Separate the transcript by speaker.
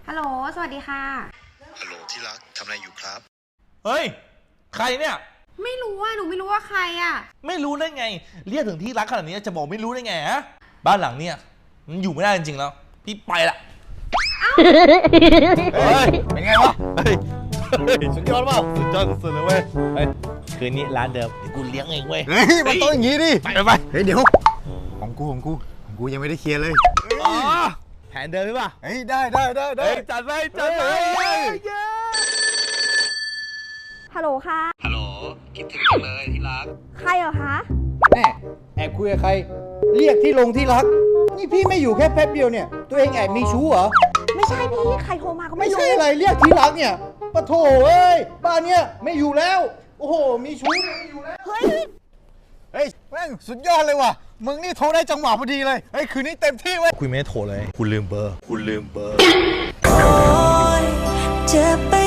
Speaker 1: ฮัลโหลสวัสดีค่ะ
Speaker 2: ฮัลโหลที่รักทำอะไรอยู่ครับ
Speaker 3: เฮ้ยใครเนี่ย
Speaker 1: ไม่รู้ว่าหนูไม่รู้ว่าใครอ่ะ
Speaker 3: ไม่รู้ได้ไงเรียกถึงที่รักขนาดนี้จะบอกไม่รู้ได้ไงฮะบ้านหลังเนี่ยมันอยู่ไม่ได้จริงๆแล้วพี่ไปละเฮ้ยเป็นไงวะเฮ้ยสุดยอดเปล่าสุดยอดสุดเลยเว้ยเฮ้ยคืนนี้ร้านเดิมเดี๋ยวกูเลี้ยงเองเว้ย
Speaker 4: เฮ้ยมันต้องอย่างงี้ดิ
Speaker 3: ไป
Speaker 4: เฮ้ยเดี๋ยวของกูยังไม่ได้เคลียร์เลย
Speaker 3: อ๋อแผนเดิมใช่ป่ะ
Speaker 4: เฮ้ยได้
Speaker 3: เฮ้ยจัดไป
Speaker 5: ฮัลโหลค่ะ
Speaker 2: ฮัลโหลคิดถึงจังเลยที่รัก
Speaker 5: ใครเหรอคะ
Speaker 6: แม่แอบคุยกับใครเรียกที่ลงที่รักนี่พี่ไม่อยู่แค่แป๊บเดียวเนี่ยตัวเองแอบมีชู้เหรอ
Speaker 5: ไม่ใช่พี่ใครโทรมาก็
Speaker 6: ไม่
Speaker 5: ไม่รู้
Speaker 6: ใช่อะไรเรียกที่รักเนี่ยปะโถเอ้ยบ้านเนี่ยไม่อยู่แล้วโอ้โหมีชู้เนี่ยไม่อยู่แล้ว
Speaker 5: เฮ้ย
Speaker 4: เฮ้ยแม่งสุดยอดเลยว่ะมึงนี่โทรได้จังหวะพอดีเลยเฮ้ยคืนนี้เต็มที่เว้ย
Speaker 3: คุยไม่ได้โทรเลยคุณลืมเบอร์
Speaker 7: โอ๊ยเจ็บไป